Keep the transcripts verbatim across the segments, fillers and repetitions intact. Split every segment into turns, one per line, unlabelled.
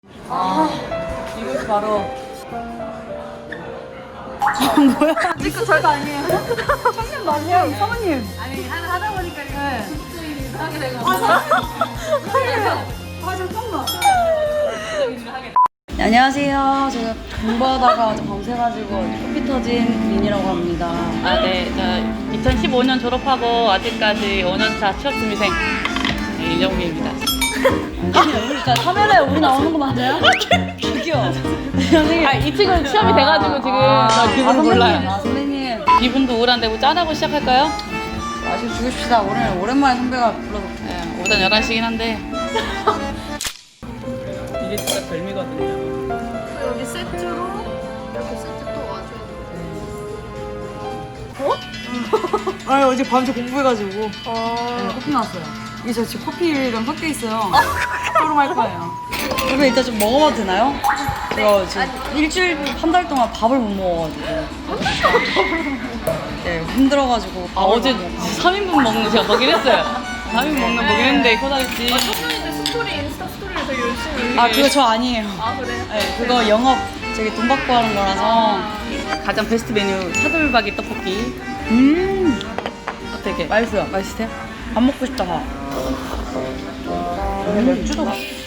아, 이것이 바로 아, 뭐야?
지금 절대 아니에요.
청년 맞아요, 사모님.
아니 하나 하다 보니까
네.
일을 하게 되고.
아, 사모님. 아, 잠깐만. 네, 안녕하세요. 제가 공부하다가 밤새가지고 코피 터진 민이라고 합니다.
아, 네. 저 이천십오 년 졸업하고 아직까지 오 년 차 취업 준비생 네, 이정미입니다.
아니, 우리 진짜 카메라에 우리 나오는 거 맞아요? 저기요. 선생님.
아, 이 친구는 취업이 돼가지고 지금
아,
저
아,
기분
선생님.
몰라요.
아, 선생님.
기분도 우울한데 뭐 짠하고 시작할까요?
마시고 죽읍시다. 오늘 오랜만에 선배가 불러서.
네, 오전 열한 시긴 한데 이게 진짜 별미거든요.
여기 세트로 이렇게 세트 또 와줘야 돼.
아, 어제 밤새 공부해가지고.
어.
네, 커피 나왔어요. 이게 저 지금 커피랑 섞여 있어요. 토로 할 거예요. 이거 이따 좀 먹어봐도 되나요? 저 지금 일주일, 한 달 동안 밥을 못 먹어가지고. 네, 힘들어가지고.
아,
밥을
어제
못 먹어요.
삼 인분 먹는 거 제가 보긴 했어요. 삼 인분 먹는 거 보긴 했는데 코다리지.
청년인데 스토리 인스타 스토리를 되게 열심히.
아, 그거 저 아니에요.
아 그래?
네, 그거 영업 저기 돈 받고 하는 거라서.
가장 베스트 메뉴 차돌박이 떡볶이.
음,
어떻게?
맛있어요. 맛있어요? 밥 먹고 싶다. 음, 맥주도 맛있어.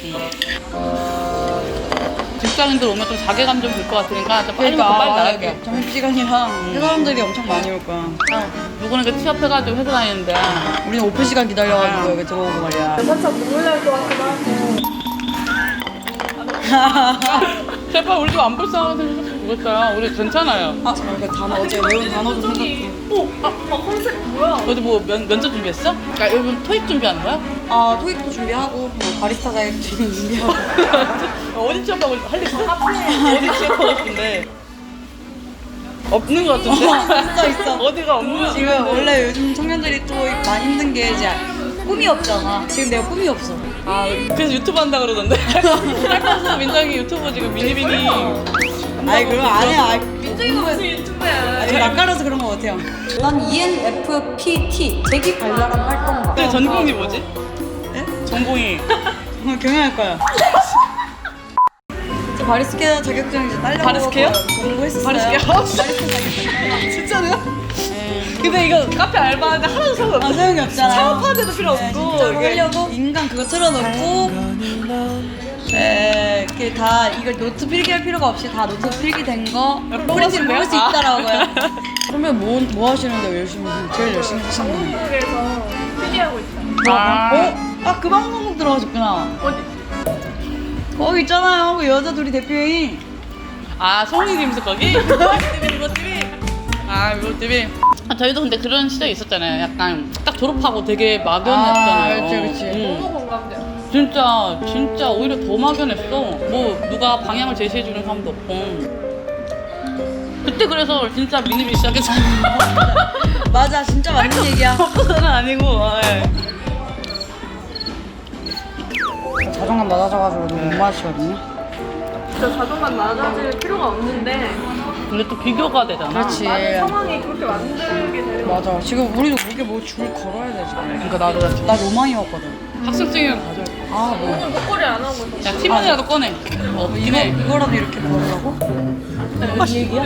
직장인들 오면 좀 자괴감 좀 들 것 같으니까 좀 빨리 먹고 빨리 나갈게.
점심시간이랑 회사원들이 엄청 많이 올 거야.
누구는 그 취업해가지고 회사 다니는데
우리는 오픈 시간 기다려가지고 여기 들어오고 말이야.
살짝 눈물 날 것 같기도 하고.
제발 우리 집 안 불쌍하게 생겼으면 좋겠어요. 우리 괜찮아요.
아, 잠깐 그 단어 어제 외운 단어 좀 생각해.
오, 아, 아 컨셉 뭐야?
어디 뭐 면, 면접 준비했어? 아, 여러분 토익 준비하는 거야?
아, 토익도 준비하고 뭐 바리스타 자격증 준비하고.
어디 취업하고 할 일 있어? 어디 취업하고 싶은데? 없는 것 같은데?
있어, 있어.
어디가 없는 거
지금 원래 요즘 청년들이 또 많이 힘든 게 이제 꿈이 없잖아. 지금 내가 꿈이 없어.
아, 그래서 유튜브 한다 그러던데? 살면서 민정이 유튜브 지금 미니비니
아이, 그럼 안 해. 아이,
민정이가 무슨 유튜브야?
아니, 낯가려서 그런 거 같아요. 난 이엔에프피티 재기 발랄한 활동가.
근데 전공이 뭐지?
네?
전공이
어, 경영할 거야. 저 바리스케 자격증 이제 딸려고
바리스케요?
공부했었어요.
바리스케요?
바리스타 자격증.
진짜요?
네.
근데 이거 카페 알바하는데 하나도 소용
아,
없어.
소용이 없잖아요.
창업하는 데도 필요
네,
없고
진짜로
이게
하려고 인간 그거 틀어놓고 에, 이렇게 다 이걸 노트 필기할 필요가 없이 다 노트 필기된 거 프린트를 먹을 수
아.
있다라고요. 선배 뭐, 뭐 하시는데 열심히 제일 열심히 하시는 거예요?
한국에서 필기하고 있어.
아.
어? 아, 그 방송국 들어가셨구나.
어디?
거기 있잖아요. 그 여자 둘이 대표인.
아, 송이 김수 거기? 이것집이 이것집이 아, 이것집이 아, 저희도 근데 그런 시절이 있었잖아요. 약간 딱 졸업하고 되게 막연했잖아요.
아, 그치, 그치.
응.
너무 공감돼.
진짜 진짜 오히려 더 막연했어. 뭐 누가 방향을 제시해주는 사람도 없고. 그때 그래서 진짜 미니비 시작했어.
맞아, 진짜 맞는 얘기야.
덕분은 아니고. 아, 예.
자존감 낮아져가지고 좀 못 마시거든요.
진짜 자존감 낮아질 필요가 없는데
근데 또 비교가 되잖아.
그렇지.
많은 상황이 그렇게 만들게 되는 거.
맞아. 지금 우리도 목에 뭐 줄 걸어야 돼 지금.
그러니까 나도 나
나 로망이었거든.
학생증이랑 가져.
아, 뭐.
오늘 목걸이 안 하고 있어.
야, 티몬이라도 꺼내. 어,
이거
이거
이거라도 이렇게 걸으라고?
이 얘기야?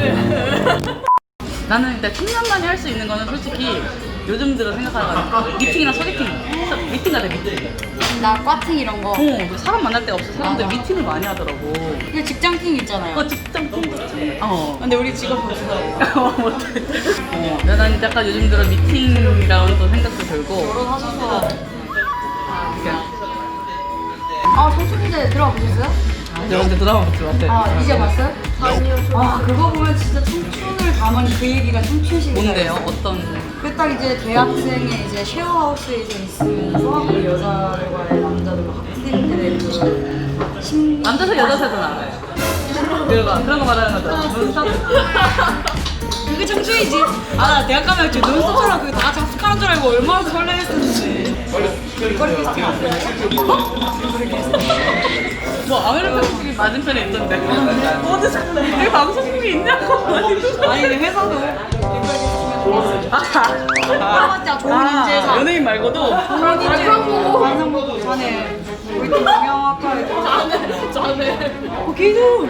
나는 일단 십 년 만에 할 수 있는 거는 솔직히 요즘 들어 생각하면 미팅이나 소개팅. 서- 미팅 가자, 미팅.
나 과팅 이런 거.
어, 사람 만날 데가 없어. 사람들
맞아.
미팅을 많이 하더라고.
그 직장팅 있잖아요.
어, 직장 팀 좋지. 어.
근데 우리 직업 없어.
어, 못해. 어, 난 약간 요즘 들어 미팅이라는 또 생각도 들고.
결혼하셔서.
이렇게.
아, 청춘대 들어가 보셨어요?
여러분들 드라마 보지 마세요.
아, 이제 봤어요?
아니요, 저.
아, 그거 보면 진짜 청춘을 담은 그 얘기가 청춘식이다.
뭔데요? 어떤?
그 딱 이제 대학생의 이제 쉐어하우스에 이제 있으면서 그 여자들과의 남자들과 학생들의 그 심...
남자세 여자세잖아. 그거 그런 거 말하는 거죠. 눈썹.
그게 청춘이지. 아, 나 대학 가면 저 눈썹처럼 그다 같이 합숙하는 줄 알고 얼마나 설레했었는지. 이걸 캐스팅 안 돼요?
뭐 아메리카 음식이 맞은편에 있던데. 어디서 여기 방송국이 있냐고.
아니, 근데 회사도
아,
진짜 좋은 인재사.
연예인 말고도
좋은 인재. 방송국 전에 우리 또 경영학과에
자네 자네
거기도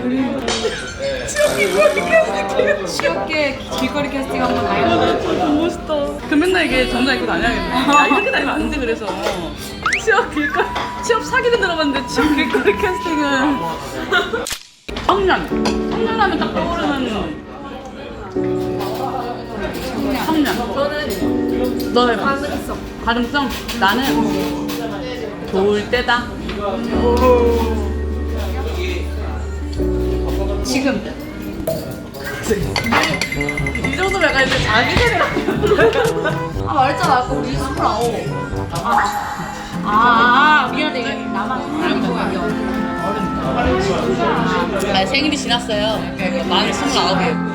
취업계 길거리 캐스팅 한번 가요.
너무 멋있다. 그 맨날 이게 정장 입고 다녀야겠네. 야, 이렇게 다니면 안 돼, 그래서. 취업 길거리, 취업 사기는 들어봤는데 취업 길거리 캐스팅은. 청년. 청년하면 딱 떠오르는. 청년.
저는
너 해봐.
가능성.
가능성? 나는 좋을 때다.
지금
이 정도면 약간 이제 자기 세대
아 말했잖아 아까 우리 스물아홉. 아, 아 미안해 이거 나만 알고
아, 생일이 지났어요. 만 스물아홉이에요.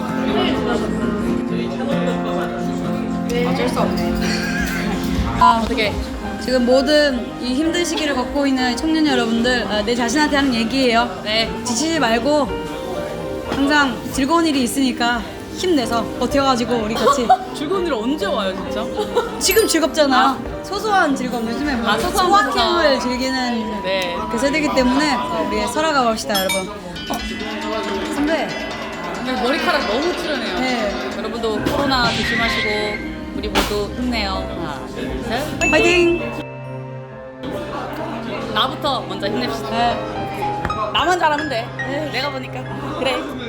어쩔 수 없네. 아
어떻게?
지금 모든 이 힘든 시기를 겪고 있는 청년 여러분들 아, 내 자신한테 하는 얘기예요.
네.
지치지 말고 항상 즐거운 일이 있으니까 힘내서 버텨가지고 우리 같이
즐거운 일 언제 와요, 진짜?
지금 즐겁잖아. 소소한 즐거움 요즘에 뭐
아, 소소한
소확행을
거구나.
즐기는
네.
그 세대이기 때문에 어, 우리 살아가 봅시다 여러분. 어, 선배.
근데 머리카락 너무 출연해요.
네.
여러분도 코로나 조심하시고 우리 모두 힘내요. 하나, 둘, 셋.
파이팅.
나부터 먼저 힘냅시다.
네.
나만 잘하면 돼. 내가 보니까. 그래.